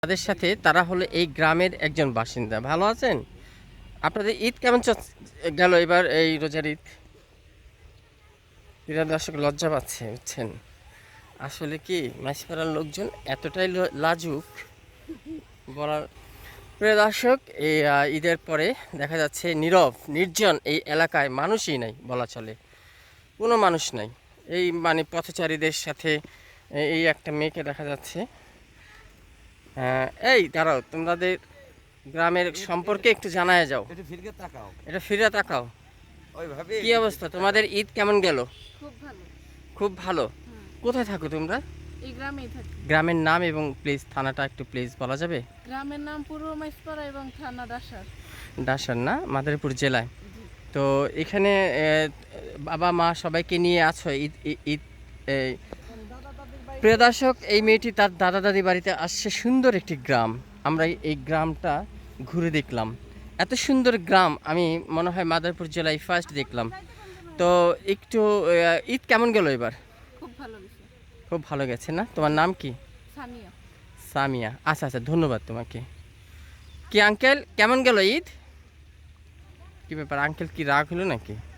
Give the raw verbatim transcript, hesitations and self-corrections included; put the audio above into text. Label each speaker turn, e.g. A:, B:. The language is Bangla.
A: তাদের সাথে তারা হলো এই গ্রামের একজন বাসিন্দা। ভালো আছেন? আপনাদের ঈদ কেমন গেল এবার, এই রোজার ঈদ? প্রিয় দর্শক লজ্জা পাচ্ছে, বুঝছেন? আসলে কি মাঝপাড়ার লোকজন এতটাই লাজুক বলার। প্রিয় দর্শক, এই ঈদের পরে দেখা যাচ্ছে নীরব নির্জন এই এলাকায় মানুষই নাই বলা চলে, কোনো মানুষ নাই। এই মানে পথচারীদের সাথে এই একটা মেয়েকে দেখা যাচ্ছে। এই দাঁড়াও, তোমাদের গ্রামের সম্পর্কে একটু জানায় যাও।
B: একটু ফিরে তাকাও,
A: এটা ফিরে তাকাও।
B: ওইভাবে
A: কি অবস্থা তোমাদের? ঈদ কেমন গেল?
C: খুব ভালো।
A: খুব ভালো।
C: হুম।
A: কোথায় থাকো তোমরা?
C: এই গ্রামেই থাকি।
A: গ্রামের নাম এবং প্লিজ থানাটা একটু প্লিজ বলা যাবে?
C: গ্রামের নাম পূর্ব মাইজপাড়া এবং থানা ডাসার।
A: ডাসার না, মাদারীপুর জেলায়।
C: জি।
A: তো এখানে এ, বাবা মা সবাইকে নিয়ে আছো ঈদ ঈদ- ঈদ এই। প্রিয় দর্শক, এই মেয়েটি তার দাদা দাদি বাড়িতে আসছে। সুন্দর একটি গ্রাম, আমরা এই গ্রামটা ঘুরে দেখলাম। এত সুন্দর গ্রাম আমি মনে হয় মাদারীপুর জেলায় ফার্স্ট দেখলাম। তো একটু আহ, ঈদ কেমন গেল এবার?
C: খুব ভালো বিষয়।
A: খুব ভালো গেছে না? তোমার নাম কি?
C: স্থানীয়।
A: সামিয়া। আচ্ছা আচ্ছা, ধন্যবাদ তোমাকে। কি আঙ্কেল, কেমন গেল ঈদ? কি ব্যাপার আঙ্কেল, কি রাগ হলো নাকি?